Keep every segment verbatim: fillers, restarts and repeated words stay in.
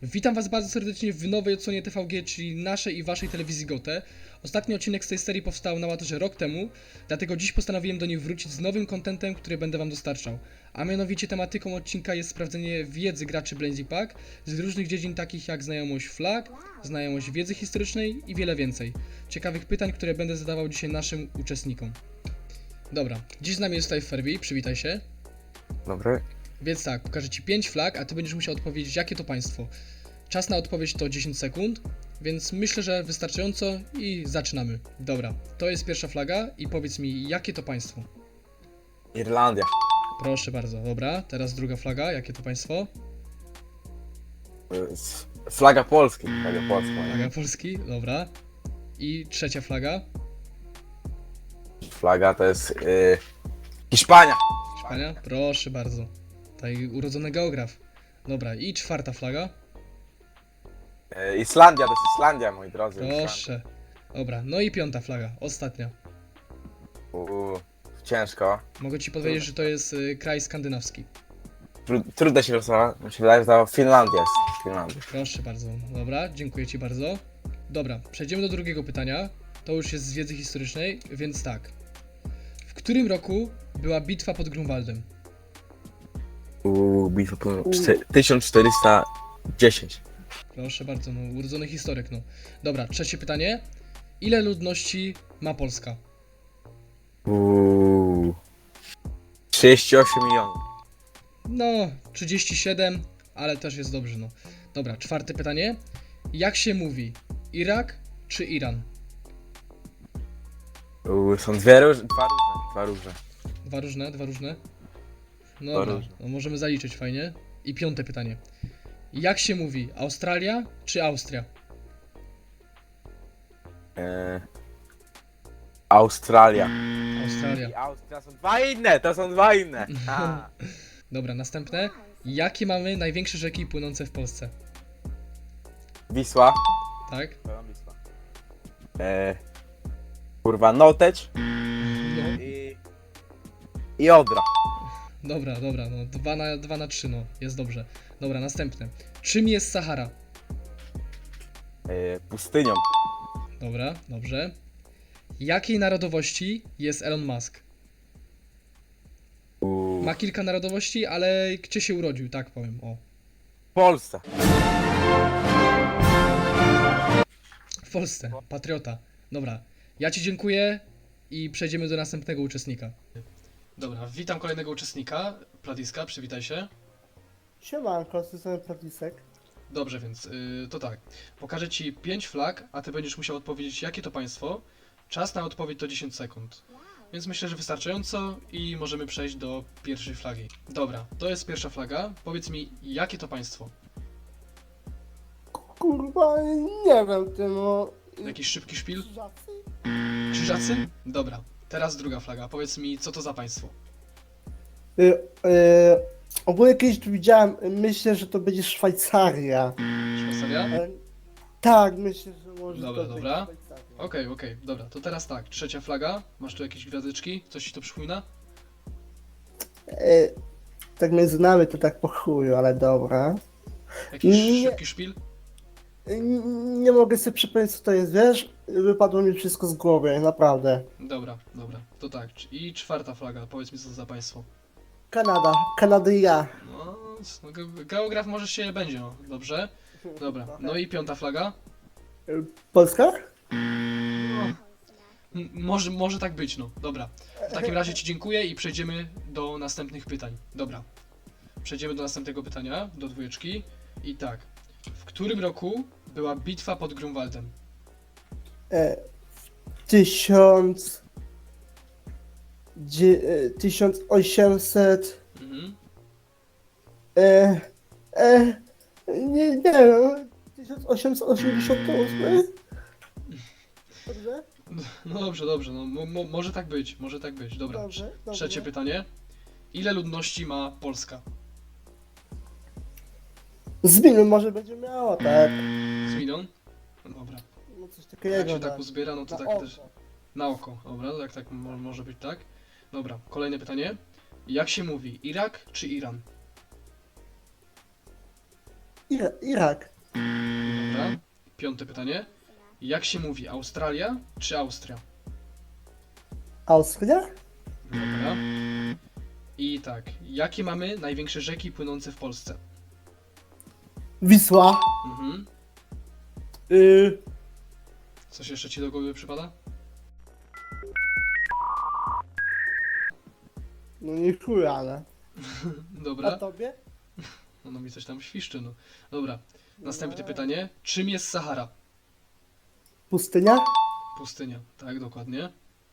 Witam Was bardzo serdecznie w nowej odsłonie T V G, czyli naszej i Waszej telewizji Gote. Ostatni odcinek z tej serii powstał na łatorze rok temu, dlatego dziś postanowiłem do niej wrócić z nowym kontentem, który będę Wam dostarczał. A mianowicie tematyką odcinka jest sprawdzenie wiedzy graczy Blazy Pack z różnych dziedzin takich jak znajomość flag, znajomość wiedzy historycznej i wiele więcej. Ciekawych pytań, które będę zadawał dzisiaj naszym uczestnikom. Dobra, dziś z nami jest tutaj Ferbi, przywitaj się. Dobry. Więc tak, pokażę Ci pięć flag, a Ty będziesz musiał odpowiedzieć, jakie to państwo. Czas na odpowiedź to dziesięć sekund, więc myślę, że wystarczająco i zaczynamy. Dobra, to jest pierwsza flaga i powiedz mi, jakie to państwo. Irlandia. Proszę bardzo, dobra, teraz druga flaga, jakie to państwo? Y, s- Flaga Polski. Flaga Polska. Flaga Polski, dobra. I trzecia flaga, Flaga to jest y, Hiszpania. Hiszpania, proszę bardzo. Tutaj urodzony geograf. Dobra, i czwarta flaga, Y, Islandia to jest Islandia, moi drodzy. proszę. Dobra, no i piąta flaga, ostatnia. Uuu, ciężko. Mogę Ci powiedzieć, że to jest y, kraj skandynawski. Tru, trudno się wylosować. Mi się wydaje, że to Finlandia jest. Finlandia. Proszę bardzo. Dobra, dziękuję Ci bardzo. Dobra, przejdziemy do drugiego pytania. To już jest z wiedzy historycznej, więc tak. W którym roku była bitwa pod Grunwaldem? Uuu, bitwa po czty- tysiąc czterysta dziesięć. Proszę bardzo, no urodzony historyk, no. Dobra, trzecie pytanie. Ile ludności ma Polska? Uuu, trzydzieści osiem milionów. No, trzydzieści siedem, ale też jest dobrze, no. Dobra, czwarte pytanie. Jak się mówi? Irak czy Iran? Uuu, są dwie różne. Dwa różne. Dwa różne. Dwa różne, dwa różne. No Dwa dobra, różne. no możemy zaliczyć, fajnie. I piąte pytanie. Jak się mówi? Australia czy Austria? Y, Australia. Australia. I Austria są dwa inne, to są dwa inne. A. Dobra, następne. Jakie mamy największe rzeki płynące w Polsce? Wisła. Tak? Wisła. E, kurwa, Noteć No. i, i Odra. Dobra, dobra, no dwa na, dwa na trzy, no jest dobrze. Dobra, następne. Czym jest Sahara? E, pustynią. Dobra, dobrze. Jakiej narodowości jest Elon Musk? U, Ma kilka narodowości, ale gdzie się urodził, tak powiem, o. w Polsce. W Polsce, patriota. Dobra, ja Ci dziękuję i przejdziemy do następnego uczestnika. Dobra, witam kolejnego uczestnika, Platiska, przywitaj się. Siemanko, z tej strony Pratisek. Dobrze, więc yy, to tak. Pokażę Ci pięć flag, a Ty będziesz musiał odpowiedzieć, jakie to państwo. Czas na odpowiedź to dziesięć sekund. Więc myślę, że wystarczająco i możemy przejść do pierwszej flagi. Dobra, to jest pierwsza flaga. Powiedz mi, jakie to państwo? Kurwa, nie wiem, ty no... Jakiś szybki szpil? Krzyżacy? Krzyżacy? Dobra, teraz druga flaga. Powiedz mi, co to za państwo? Y, y, ogólnie kiedyś tu widziałem, y, myślę, że to będzie Szwajcaria. Szwajcaria? E, tak, myślę, że może Dobra, to dobra. być Szwajcaria. Okej, okej, dobra, to teraz tak. Trzecia flaga. Masz tu jakieś gwiazdeczki? Coś Ci to przypomina? Y, tak między nami to tak po chuju, ale dobra. Jakiś Nie. szybki szpil? Y, nie mogę sobie przypomnieć, co to jest, wiesz? Wypadło mi wszystko z głowy, naprawdę. Dobra, dobra, to tak. I czwarta flaga. Powiedz mi, co to za państwo? Kanada, Kanady i ja. No, no ge- geograf może się będzie, no. Dobrze? Dobra, no i piąta flaga? Y, Polska? No, m- może, może tak być, no. Dobra. W takim razie Ci dziękuję i przejdziemy do następnych pytań. Dobra. Przejdziemy do następnego pytania, do dwójeczki. I tak. W którym roku była bitwa pod Grunwaldem? E, tysiąc... Dzie, e, tysiąc osiemset... Mhm. E, e, nie, nie wiem, tysiąc osiemset osiemdziesiąt osiem? Dobrze? No dobrze, dobrze, no mo, mo, może tak być, może tak być. Dobra. Dobrze, dobrze. Trzecie pytanie. Ile ludności ma Polska? Z minu może będzie miała, tak? Z milion? No dobra. No coś Jak takiego, się tak tak. uzbiera, no to Na tak oko. też na oko. Dobra, tak, tak mo- może być tak. Dobra, kolejne pytanie. Jak się mówi? Irak czy Iran? Ira Irak. Dobra. Piąte pytanie. Jak się mówi, Australia czy Austria? Austria? Dobra. I tak, jakie mamy największe rzeki płynące w Polsce? Wisła. Mhm. Y, Coś jeszcze ci do głowy przypada? no nie chuj, ale. A Dobra. tobie? No mi coś tam świszczy, no. Dobra. Następne pytanie. Czym jest Sahara? Pustynia? Pustynia. Tak, dokładnie.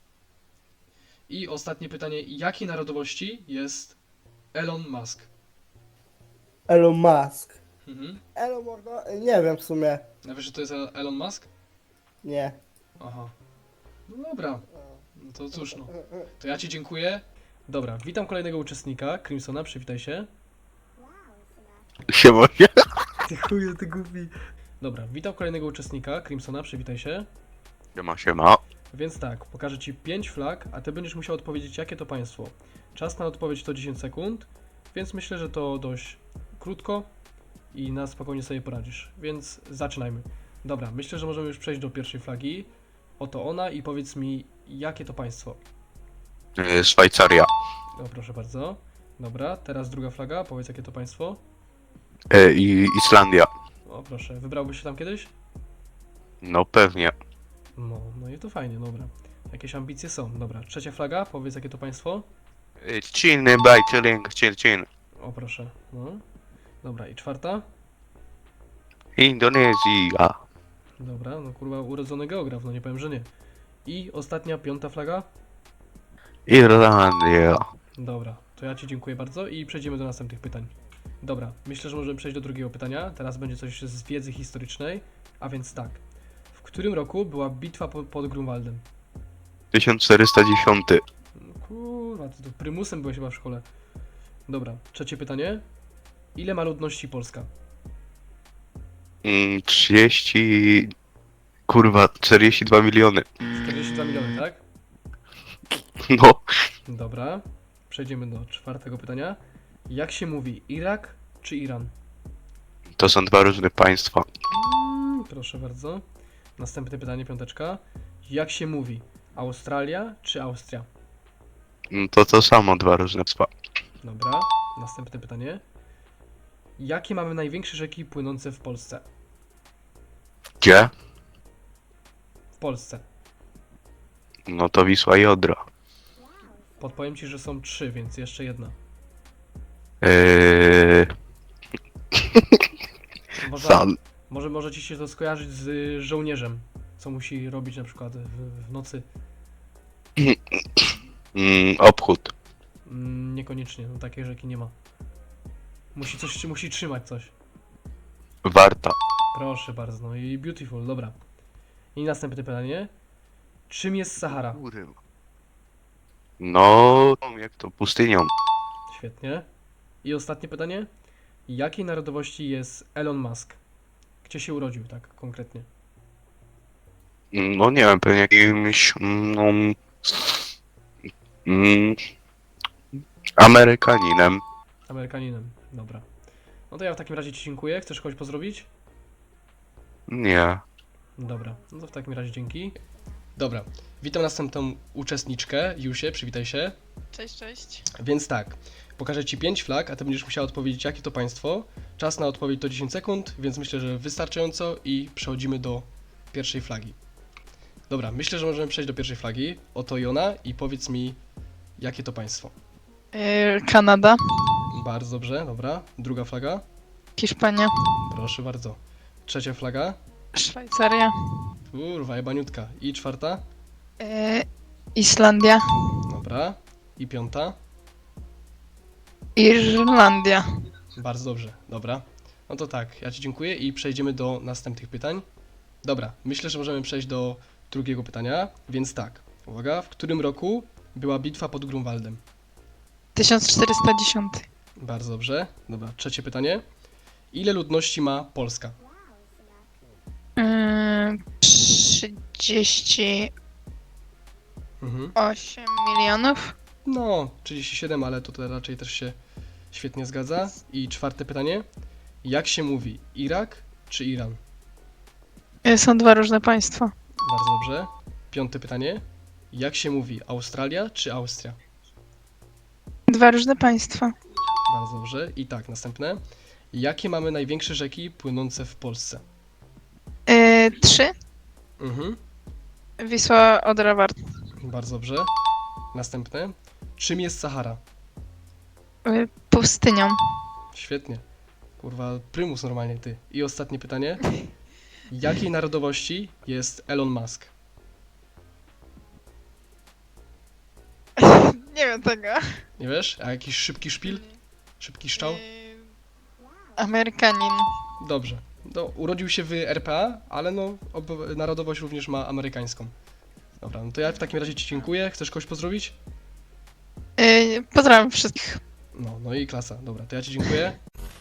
I ostatnie pytanie. Jakiej narodowości jest Elon Musk? Elon Musk. Mhm. Elon można... Nie wiem w sumie. A wiesz, że to jest Elon Musk? Nie. Aha. No dobra. No to cóż, no. To ja ci dziękuję. Dobra, witam kolejnego uczestnika, Crimsona, przywitaj się. Siema. Ty chuju, ty głupi. Dobra, witam kolejnego uczestnika, Crimsona, przywitaj się. Siema, siema. Więc tak, pokażę ci pięć flag, a ty będziesz musiał odpowiedzieć, jakie to państwo. Czas na odpowiedź to dziesięć sekund, więc myślę, że to dość krótko i na spokojnie sobie poradzisz. Więc zaczynajmy. Dobra, myślę, że możemy już przejść do pierwszej flagi. Oto ona i powiedz mi, jakie to państwo. Y, Szwajcaria. O, proszę bardzo. Dobra, teraz druga flaga, powiedz, jakie to państwo. Y, I Islandia. O, proszę, wybrałbyś się tam kiedyś? No pewnie. No, no i to fajnie, dobra. Jakieś ambicje są. Dobra, trzecia flaga, powiedz, jakie to państwo. Y, Chin, bye, chilling, chill, chill. O, proszę, no. Dobra, i czwarta. Indonezja. Dobra, no kurwa, urodzony geograf, no nie powiem, że nie. I ostatnia, piąta flaga. Irlandia. Dobra, to ja ci dziękuję bardzo i przejdziemy do następnych pytań. Dobra, myślę, że możemy przejść do drugiego pytania. Teraz będzie coś z wiedzy historycznej, a więc tak. W którym roku była bitwa po, pod Grunwaldem? tysiąc czterysta dziesięć. No kurwa, ty to prymusem byłeś chyba w szkole. Dobra, trzecie pytanie. Ile ma ludności Polska? Mm, trzydzieści... Kurwa, czterdzieści dwa miliony. czterdzieści dwa miliony, tak? No. Dobra, przejdziemy do czwartego pytania. Jak się mówi, Irak czy Iran? To są dwa różne państwa. Mm, proszę bardzo. Następne pytanie, piąteczka. Jak się mówi, Australia czy Austria? Mm, To to samo, dwa różne państwa. Dobra, następne pytanie. Jakie mamy największe rzeki płynące w Polsce? Gdzie? W Polsce. No to Wisła i Odra. Podpowiem ci, że są trzy, więc jeszcze jedna. Yy... Może, San. może, może ci się to skojarzyć z y, żołnierzem, co musi robić na przykład w, w nocy. Mm, obchód. Mm, niekoniecznie, no takiej rzeki nie ma. Musi coś, musi trzymać coś. Warta. Proszę bardzo, no i beautiful, dobra. I następne pytanie. Czym jest Sahara? No, jak to pustynią. Świetnie. I ostatnie pytanie. Jakiej narodowości jest Elon Musk? Gdzie się urodził, tak konkretnie? No nie wiem, pewnie jakimś... No, mm, Amerykaninem. Amerykaninem, dobra. No to ja w takim razie ci dziękuję. Chcesz kogoś pozdrowić? Nie. Dobra, no to w takim razie dzięki. Dobra, witam następną uczestniczkę, Jusię, przywitaj się. Cześć, cześć. Więc tak, pokażę ci pięć flag, a ty będziesz musiała odpowiedzieć, jakie to państwo. Czas na odpowiedź to dziesięć sekund, więc myślę, że wystarczająco i przechodzimy do pierwszej flagi. Dobra, myślę, że możemy przejść do pierwszej flagi. Oto i ona i powiedz mi, jakie to państwo. Yy, Kanada, Bardzo dobrze, dobra. Druga flaga, Hiszpania, proszę bardzo. Trzecia flaga, Szwajcaria, kurwa, jebaniutka. I czwarta, yy, Islandia, dobra. I piąta, Irlandia. bardzo dobrze, dobra. No to tak, ja ci dziękuję i przejdziemy do następnych pytań. Dobra, myślę, że możemy przejść do drugiego pytania, więc tak. Uwaga, w którym roku była bitwa pod Grunwaldem? tysiąc czterysta dziesięć. Bardzo dobrze. Dobra, trzecie pytanie. Ile ludności ma Polska? Yy, trzydzieści Mhm. osiem milionów. No, trzydzieści siedem, ale to, to raczej też się świetnie zgadza. I czwarte pytanie. Jak się mówi? Irak czy Iran? E, Są dwa różne państwa. Bardzo dobrze. Piąte pytanie. Jak się mówi? Australia czy Austria? Dwa różne państwa. Bardzo dobrze. I tak, następne. Jakie mamy największe rzeki płynące w Polsce? E, Trzy. Mhm. Wisła, Odra, Warta. Bardzo dobrze. Następne. Czym jest Sahara? E, Pustynią. Świetnie. Kurwa, prymus normalnie ty. I ostatnie pytanie. Jakiej narodowości jest Elon Musk? Nie wiem tego. Nie wiesz? A jakiś szybki szpil? Szybki szczał? Amerykanin. Dobrze. No, urodził się w R P A, ale no, ob- narodowość również ma amerykańską. Dobra, no to ja w takim razie ci dziękuję. Chcesz kogoś pozdrowić? E, Pozdrawiam wszystkich. No, no i klasa. Dobra, to ja ci dziękuję.